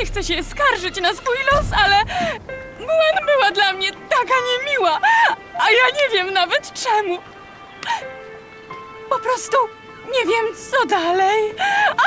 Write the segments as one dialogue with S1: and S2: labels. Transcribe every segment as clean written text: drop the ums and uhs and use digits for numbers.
S1: nie chcę się skarżyć na swój los, ale Gwen była dla mnie taka niemiła, a ja nie wiem nawet czemu. Po prostu nie wiem, co dalej.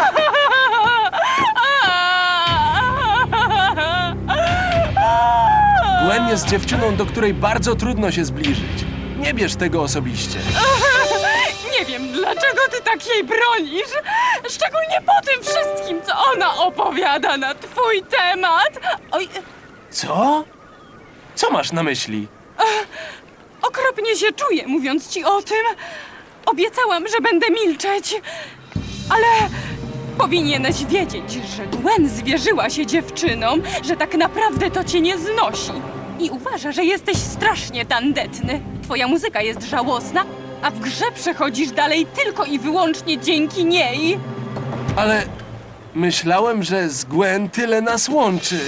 S2: Gwen jest dziewczyną, do której bardzo trudno się zbliżyć. Nie bierz tego osobiście.
S1: Nie wiem, dlaczego ty tak jej bronisz. Szczególnie po tym wszystkim, co ona opowiada na twój temat. Oj,
S2: Co? Co masz na myśli?
S1: okropnie się czuję, mówiąc ci o tym. Obiecałam, że będę milczeć, ale powinieneś wiedzieć, że Gwen zwierzyła się dziewczynom, że tak naprawdę to cię nie znosi. I uważa, że jesteś strasznie tandetny. Twoja muzyka jest żałosna, a w grze przechodzisz dalej tylko i wyłącznie dzięki niej.
S2: Ale myślałem, że z Gwen tyle nas łączy.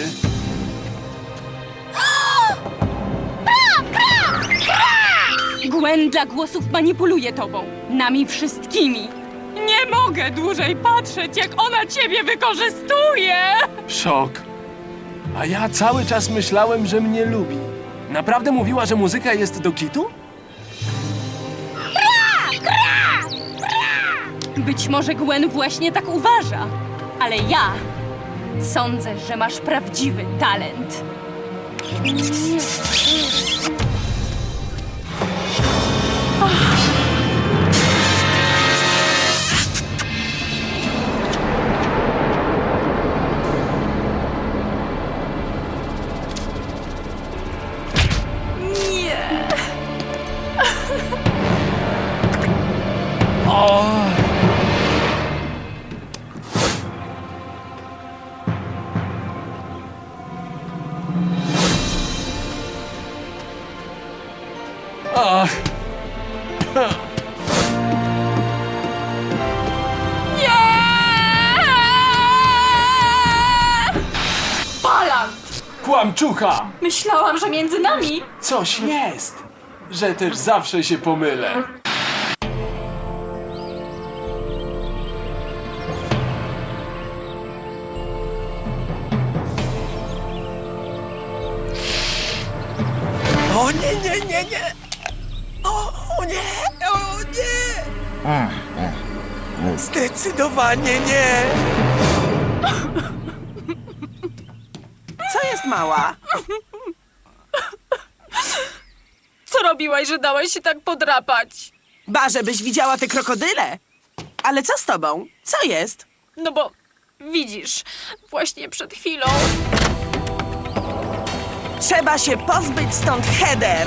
S1: Gwen dla głosów manipuluje tobą, nami wszystkimi. Nie mogę dłużej patrzeć, jak ona ciebie wykorzystuje!
S2: Szok. A ja cały czas myślałem, że mnie lubi. Naprawdę mówiła, że muzyka jest do kitu?
S1: Być może Gwen właśnie tak uważa, ale ja sądzę, że masz prawdziwy talent. Nie.
S2: O! Ach!
S1: Nie! Balan!
S2: Kłamczucha!
S1: Myślałam, że między nami...
S2: Coś jest, że też zawsze się pomylę.
S3: O nie, nie, nie, nie! O nie! O nie! Zdecydowanie nie! Co jest, mała?
S1: Co robiłaś, że dałaś się tak podrapać?
S3: Ba, żebyś widziała te krokodyle! Ale co z tobą? Co jest?
S1: No bo widzisz, właśnie przed chwilą...
S3: Trzeba się pozbyć stąd Heather!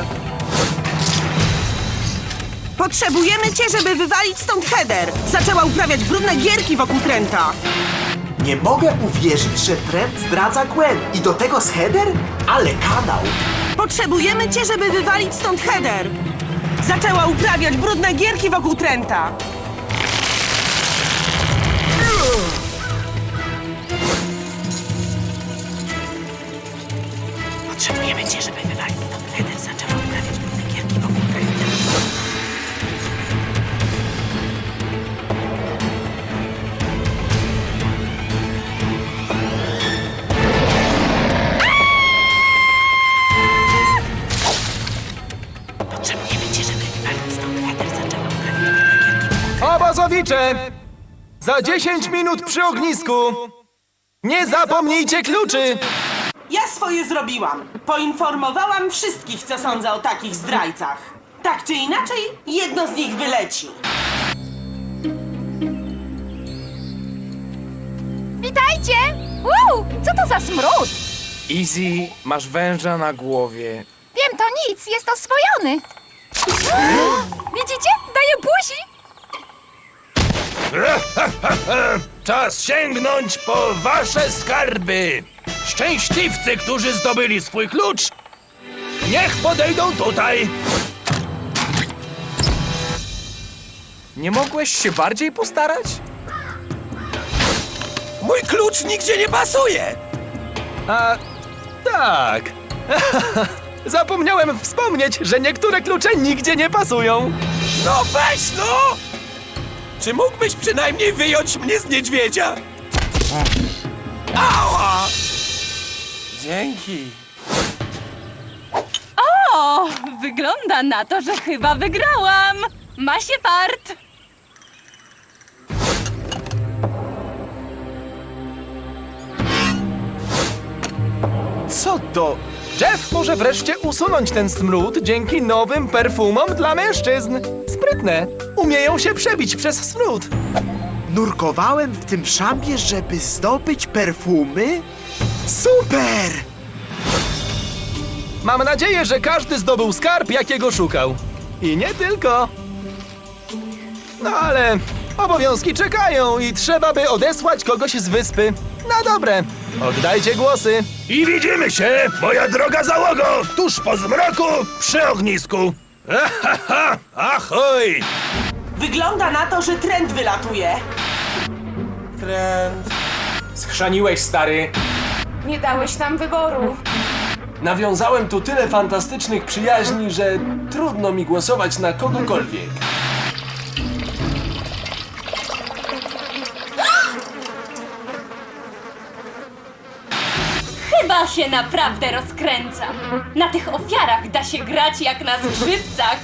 S3: Potrzebujemy cię, żeby wywalić stąd Heather! Zaczęła uprawiać brudne gierki wokół Trenta!
S4: Nie mogę uwierzyć, że Trent zdradza Gwen i do tego z Heather? Ale kanał!
S3: Potrzebujemy cię, żeby wywalić stąd Heather! Zaczęła uprawiać brudne gierki wokół Trenta! Potrzebujemy cię, żeby wywalić stąd Heather. Zaczęła uprawiać brudne gierki wokół Trenta. Potrzebujemy cię, żeby wywalić stąd Heather. Zaczęła uprawiać brudne gierki wokół Trenta.
S5: Obozowicze! Za 10 minut przy ognisku! Nie zapomnijcie kluczy!
S3: Ja swoje zrobiłam. Poinformowałam wszystkich, co sądzę o takich zdrajcach. Tak czy inaczej, jedno z nich wyleci.
S6: Witajcie! Co to za smród?
S7: Easy, masz węża na głowie.
S6: Wiem, to nic, jest oswojony. Widzicie? Daję buzi.
S8: Czas sięgnąć po wasze skarby! Szczęśliwcy, którzy zdobyli swój klucz, niech podejdą tutaj!
S7: Nie mogłeś się bardziej postarać?
S8: Mój klucz nigdzie nie pasuje!
S5: A tak. Zapomniałem wspomnieć, że niektóre klucze nigdzie nie pasują.
S8: No weź no! Czy mógłbyś przynajmniej wyjąć mnie z niedźwiedzia? Ała!
S2: Dzięki.
S1: O, wygląda na to, że chyba wygrałam. Ma się fart.
S5: Co to? Jeff może wreszcie usunąć ten smród dzięki nowym perfumom dla mężczyzn. Sprytne. Umieją się przebić przez smród.
S4: Nurkowałem w tym szambie, żeby zdobyć perfumy? Super!
S5: Mam nadzieję, że każdy zdobył skarb, jakiego szukał. I nie tylko. No ale obowiązki czekają i trzeba by odesłać kogoś z wyspy. Na dobre. Oddajcie głosy.
S8: I widzimy się, moja droga załogo, tuż po zmroku przy ognisku. Ahaha, ahoj!
S3: Wygląda na to, że Trent wylatuje.
S2: Schrzaniłeś, stary.
S6: Nie dałeś nam wyboru.
S2: Nawiązałem tu tyle fantastycznych przyjaźni, że trudno mi głosować na kogokolwiek.
S1: Chyba się naprawdę rozkręcam. Na tych ofiarach da się grać jak na skrzypcach.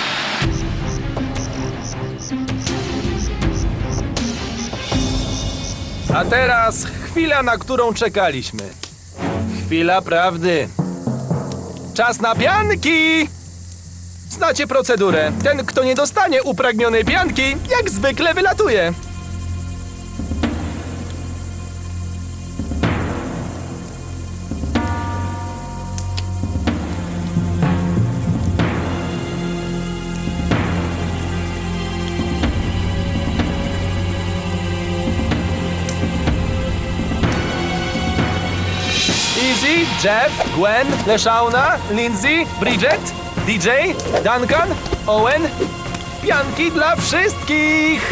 S5: A teraz chwila, na którą czekaliśmy. Chwila prawdy. Czas na pianki! Znacie procedurę. Ten, kto nie dostanie upragnionej pianki, jak zwykle wylatuje. Easy, Jeff, Gwen, Leshauna, Lindsay, Bridget, DJ, Duncan, Owen. Pianki dla wszystkich!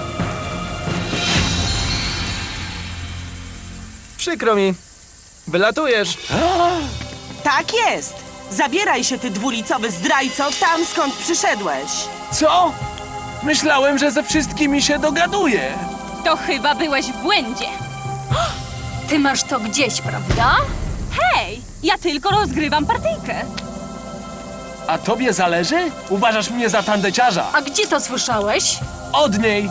S5: Przykro mi. Wylatujesz.
S3: Tak jest. Zabieraj się, ty dwulicowy zdrajco, tam skąd przyszedłeś.
S2: Co? Myślałem, że ze wszystkimi się dogaduję.
S1: To chyba byłeś w błędzie.
S6: Ty masz to gdzieś, prawda?
S1: Hej, ja tylko rozgrywam partyjkę.
S2: A tobie zależy? Uważasz mnie za tandeciarza.
S6: A gdzie to słyszałeś?
S2: Od niej.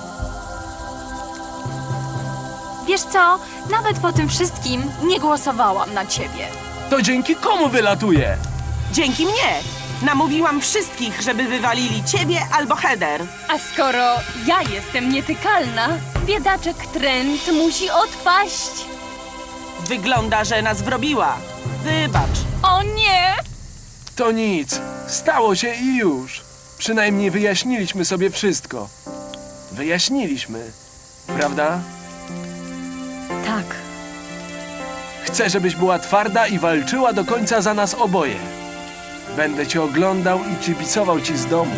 S6: Wiesz co? Nawet po tym wszystkim nie głosowałam na ciebie.
S2: To dzięki komu wylatuje?
S3: Dzięki mnie. Namówiłam wszystkich, żeby wywalili ciebie albo Heather.
S1: A skoro ja jestem nietykalna, biedaczek Trent musi odpaść.
S3: Wygląda, że nas wrobiła. Wybacz.
S1: O nie!
S2: To nic. Stało się i już. Przynajmniej wyjaśniliśmy sobie wszystko. Wyjaśniliśmy. Prawda?
S6: Tak.
S2: Chcę, żebyś była twarda i walczyła do końca za nas oboje. Będę cię oglądał i kibicował ci z domu.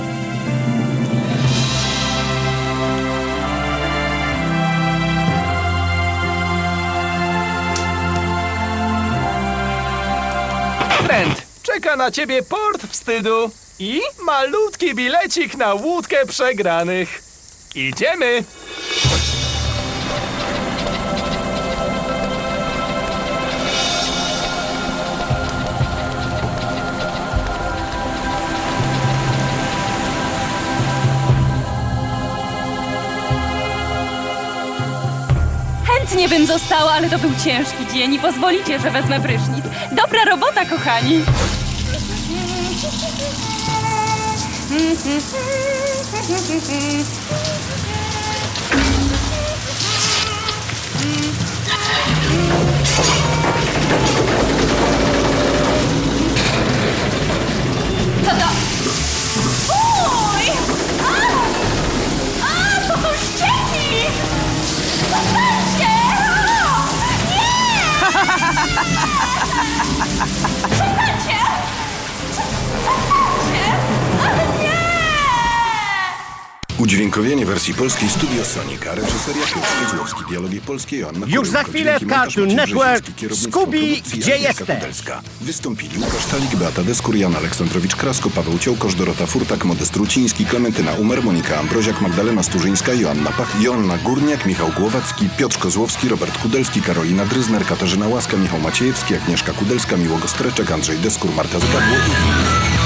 S5: Trent, czeka na ciebie port wstydu i malutki bilecik na łódkę przegranych. Idziemy!
S1: Chętnie bym została, ale to był ciężki dzień i pozwolicie, że wezmę prysznic. Dobra robota, kochani! Co to? Uj! To są ścieki! Zostańcie! Nie! Przestańcie! Przestańcie! Ale nie!
S9: Udźwiękowienie Udźwiękowienie wersji polskiej Studio Sonika, reżyseria Piotr Kozłowski, dialogi polskie Joanna
S10: Już za
S9: Kuryłko,
S10: chwilę
S9: dźwięki
S10: w
S9: montaż
S10: Cartoon
S9: Maciej
S10: Network.
S9: Brzeziński, kierownictwo
S10: Scooby,
S9: produkcji
S10: gdzie
S9: Agnieszka
S10: jesteś?
S9: Kudelska. Wystąpili Łukasz Talik, Beata Deskur, Jan Aleksandrowicz-Krasko, Paweł Ciołkosz, Dorota Furtak, Modest Ruciński, Klementyna Umer, Monika Ambroziak, Magdalena Sturzyńska, Joanna Pach, Joanna Górniak, Michał Głowacki, Piotr Kozłowski, Robert Kudelski, Karolina Dryzner, Katarzyna Łaska, Michał Maciejewski, Agnieszka Kudelska, Miłogo Streczek, Andrzej Deskur, Marta Zgadło i inni.